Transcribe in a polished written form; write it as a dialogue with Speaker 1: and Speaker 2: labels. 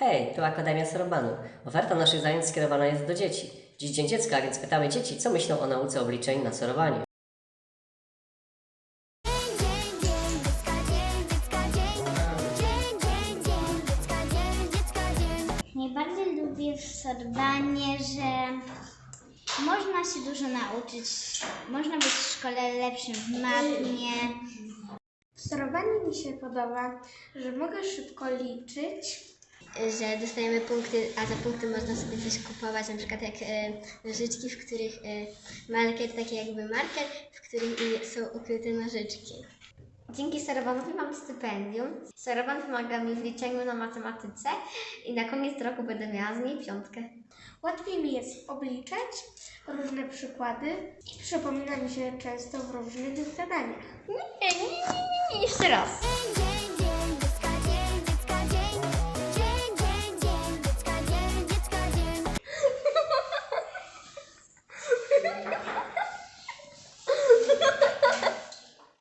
Speaker 1: Hej, tu Akademia Sorobanu. Oferta naszych zajęć skierowana jest do dzieci. Dziś Dzień Dziecka, więc pytamy dzieci, co myślą o nauce obliczeń na sorowaniu.
Speaker 2: Najbardziej lubię w sorowaniu, że można się dużo nauczyć, można być w szkole lepszym w matmie.
Speaker 3: W sorowaniu mi się podoba, że mogę szybko liczyć.
Speaker 4: Że dostajemy punkty, a za punkty można sobie coś kupować, na przykład jak nożyczki, w których marker, taki jakby marker, w którym są ukryte nożyczki. Dzięki sorowanowi mam stypendium. Sorowan pomaga mi w liczeniu na matematyce i na koniec roku będę miała z niej 5.
Speaker 3: Łatwiej mi jest obliczać różne przykłady i przypomina mi się często w różnych zadaniach.
Speaker 4: Nie, jeszcze raz.